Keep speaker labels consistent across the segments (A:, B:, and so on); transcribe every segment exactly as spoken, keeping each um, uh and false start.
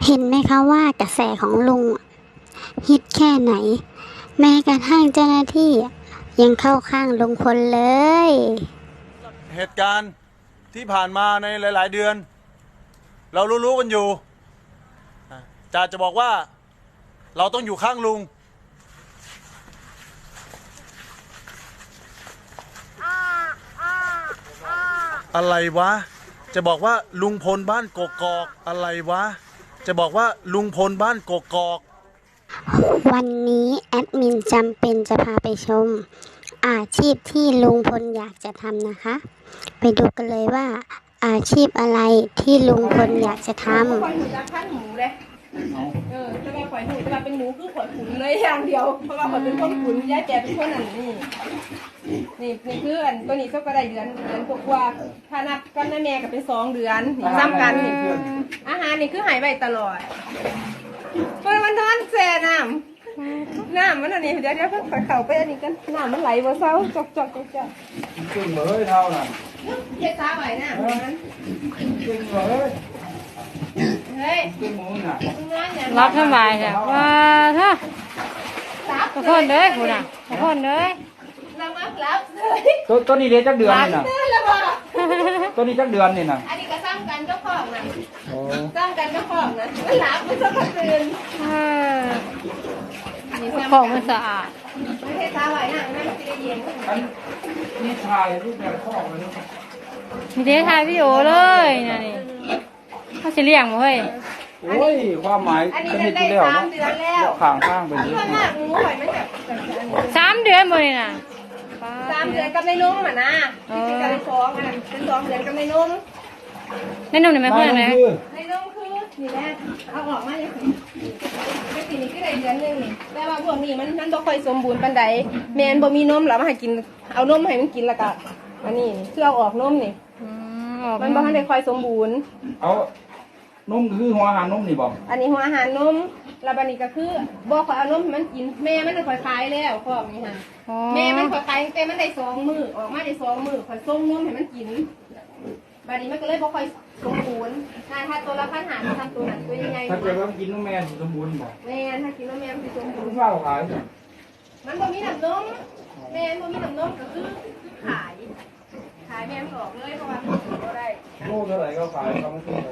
A: เห็นไหมคะว่ากระแสของลุงฮิตแค่ไหนแม้กระทั่งเจ้าหน้าที่ยังเข้าข้างลุงพลเลย
B: เหตุการณ์ที่ผ่านมาในหลายๆเดือนเรารู้ๆกันอยู่จ่าจะบอกว่าเราต้องอยู่ข้างลุงอะไรวะจะบอกว่าลุงพลบ้านกกอกอะไรวะจะบอกว่าลุงพลบ้านกกอก
A: วันนี้แอดมินจำเป็นจะพาไปชมอาชีพที่ลุงพลอยากจะทำนะคะไปดูกันเลยว่าอาชีพอะไรที่ลุงพลอยากจะทำ
C: ข่อยหูจะขั้นหมูเลยเออจะมาข่อยหูจะมาเป็นหมูคือข่อยขุนเลยอย่างเดียวเพราะว่าข่อยเป็นคนขุนย้ายแกเป็นคนอันนี้นี่นี่คืออันตัวนี้ก็กระไดเดือนเดือนกว่าถ้านับกันแม่ก็เป็นสองเดือนนี่ซ้ำกันนี่อาหารนี่คือหายไปตลอดเมื่อวันนั้นแซ่น้ำน้ำมันอันนี้เดี๋ยวเดี๋ยวเพิ่งข่อยเข่าไปอันนี้กันน้ำมันไหลบ่เศร้าจอกจอกจอกจอก
D: จริงเลยเท่านั้น
C: เฮ็ดตาไหวน้ำนั้น
D: จริงเลย
C: เฮ้ย
D: จริงมึงน่ะ
E: รับสบายจ้ะว่าถ้าขอโทษเด้อคุณอ่ะขอโทษเด้อ
C: เรามารับเลย
D: ตัวตัวนี้เรียนจักเดือนนี่น่ะ
C: เดือนละบ่
D: ตัวนี้จักเดือนนี่น่ะ
C: อันนี้ก็สร้างกันเจ้าของนะ
D: โอ้
C: สร้างกันเจ้าของนะมันหลับมันสักคืน
E: เออของมันสะอาด
C: ไม่ใช่ตาไหวนะไม่ใช่เย็น
D: อันนี่ชายรูปแบบข้อเลยลูก
E: มีเดทายพี่โอเลยนี่นี่เขาจะเลี้ยงมั้ยเฮ้ย
D: โอ้ยความหมาย
C: อันนี้
D: จะ
C: ได้
D: เห็น
C: ได้
D: ที่แล้ว
C: สาม
D: เนาะ
C: เดือนแล้ว
D: ข้างข้างเป็น
C: ส่วนมากงูหอยมันแบบแบบอันนี้
E: สามเดือนบ่นี่น่ะ
C: สามเดือนกับในนุ่มอ่ะนะที่เป็นการสองอันนั้นเป็นสองเดือนกับในนุ่ม
E: ในนุ่มนี่ไม่เพื่อนเลย
C: ในนุ่มคือนี่แหละเอาออกมาอย่างนี้เป็นสีนี้ก็ได้เดือนนึงนี่แต่ว่าพวกนี้มันมันบ่ค่อยสมบูรณ์ปานใดแม่นบ่มีนมแล้วมาให้กินเอานมให้มันกินแล้วก็อันนี้คือเอาออกนมนี่มันบ่ทันได้ค่อยสมบูรณ์
D: เอานุ่มคือหัวอาหารนุ่มนี่บอก
C: อันนี้หัวอาหารนมแล้วบัดนี้ก็คือบ่ค่อยเอานมให้มันกินแม่มันค่อยคายแล้วพวกนี้ค่ะแม่มันค่อยคายตั้งแต่มันได้สองมื้อออกมาได้สองมื้อค่อยส่งนมให้มันกินบัดนี้มันก็เลยบ่ค่อยสมบูรณ์ถ้าถ้าตัวละพันหาทำตัวนั้นตัวใหญ่ๆ
D: ถ้าเกิดว่ากินนุ่มแม่สมบูรณ์บอก
C: แม่ถ้ากินนมแม่มันสิสมบู
D: คุ
C: ร
D: ณ
C: ณ์
D: เฝ้าขายจ้ะ
C: มันบ่มีน้ำนมแม่บ่มีน้ำนมก็คือขายขายแม่ออกเลยเพราะว่ามันบ่ได้
D: โลเท่าไหร่ก็ขายเขาไม่ซื้อเลย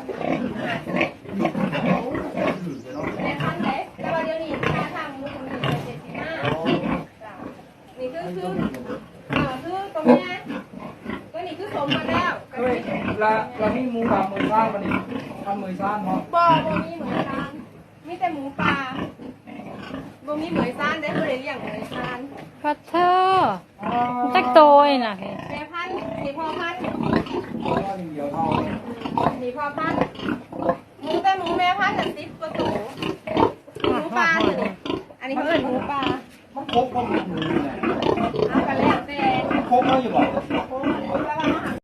C: แม่พันเลยแต่ว่าเดี๋ยวนี้ค่าทำมูลนิธิเจ็ดสิบห้านี่คือคืออ่าคือตรงนี้ตัวนี้คือสมมาแล้ว
D: เฮ้ยละละมีหมูสามหมื่นสร้างมันนี่ทำหมื่นสร้างเนาะ
C: บ่บ่มีเหมือนกันมีแต่หมูป่าบ่มีเหมือนซานได้บ่ได้เลี้ยงเหมือนซาน
E: พัดเธอจักโตยน่ะ
C: แม่พันธุ์นี่พ่อพันธุ์
D: เดียวเท่า
C: นี่พ่อพันธุ์หมูแต่หมูแม่พันธุ์น่ะสิบกว่าตัวหมูป่านี่อันนี้เขาเอิ้นหมูป่า
D: มันครบก็มีหมูเนี่ย
C: เอากันแล้วแต่
D: ครบแล้วอยู่บอก
C: โอ้โหแล้วว่ามาหา